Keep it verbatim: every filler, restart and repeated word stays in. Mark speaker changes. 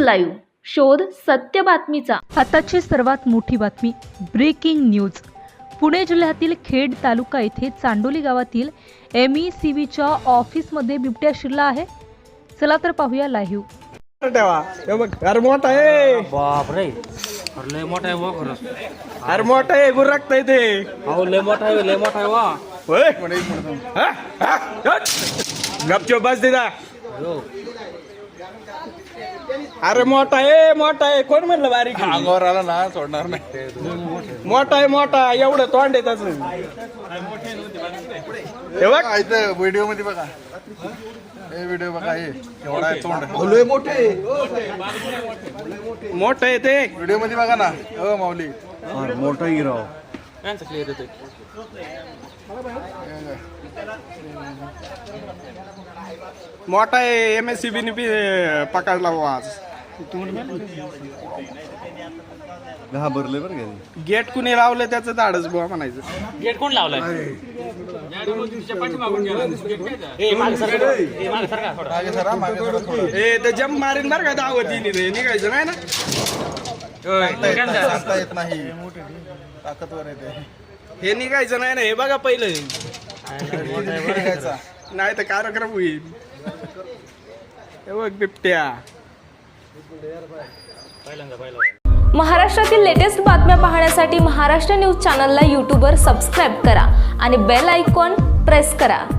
Speaker 1: Live, शोध सत्य बातमीचा।
Speaker 2: आताची सर्वात मोठी बातमी, ब्रेकिंग न्यूज। पुणे जिल्ह्यातील खेड तालुका येथे चांडोली गावातील एम ई सी व्हीच्या ऑफिसमध्ये बिबट्या शिरला आहे। चला तर पाहूया लाईव्ह।
Speaker 3: ठेवा हे बघ, अरे मोठा आहे,
Speaker 4: बाप रे, अरे लय मोठा आहे वा खरंच।
Speaker 3: अरे मोठा आहे, गुरकताय ते।
Speaker 4: अहो लय मोठा आहे, लय मोठा आहे वा।
Speaker 3: होय हा? हा? हट. गपचूप बस दिदा। अरे मोठा आहे, मोठा आहे, कोण म्हणलं बारीक आहे?
Speaker 5: अंगावर आला ना सोडणार नाही।
Speaker 3: मोठा आहे, मोठा एवढं तोंड आहे त्याच। हे बघ
Speaker 5: इथं व्हिडिओ मध्ये बघा, हे व्हिडिओ बघा, हे एवढा आहे तोंड, मोठे
Speaker 3: मोठं आहे ते।
Speaker 5: व्हिडिओ मध्ये बघा ना। हो माऊली,
Speaker 4: मोठा हिराव यांचं क्लिअर येतोय।
Speaker 3: मोठा आहे, एम एस सी बी पकडला बुवा आज।
Speaker 5: घाबरले बरं का।
Speaker 3: गेट कुणी लावलं त्याचं धाडच बुवा म्हणायचं।
Speaker 4: गेट कोण लावलाय? ए मागे सरका, ए मागे सरका थोडं।
Speaker 5: मागे सरा, मागे सरा थोडं।
Speaker 3: ए ते जम मारीन बरं का दावतीने, ते निघायचं नाही ना।
Speaker 5: सांगता येत नाही, ताकदवर आहे ते।
Speaker 3: हे निघायचं नाही ना, हे बघा पहिलं,
Speaker 5: निघायचा.
Speaker 3: नाही तर कार्यक्रम होईल। हे बघ बिबट्या।
Speaker 1: महाराष्ट्रातील लेटेस्ट बातम्या पाहण्यासाठी महाराष्ट्र न्यूज चॅनलला यूट्यूबवर सबस्क्राईब करा आणि बेल आयकॉन प्रेस करा।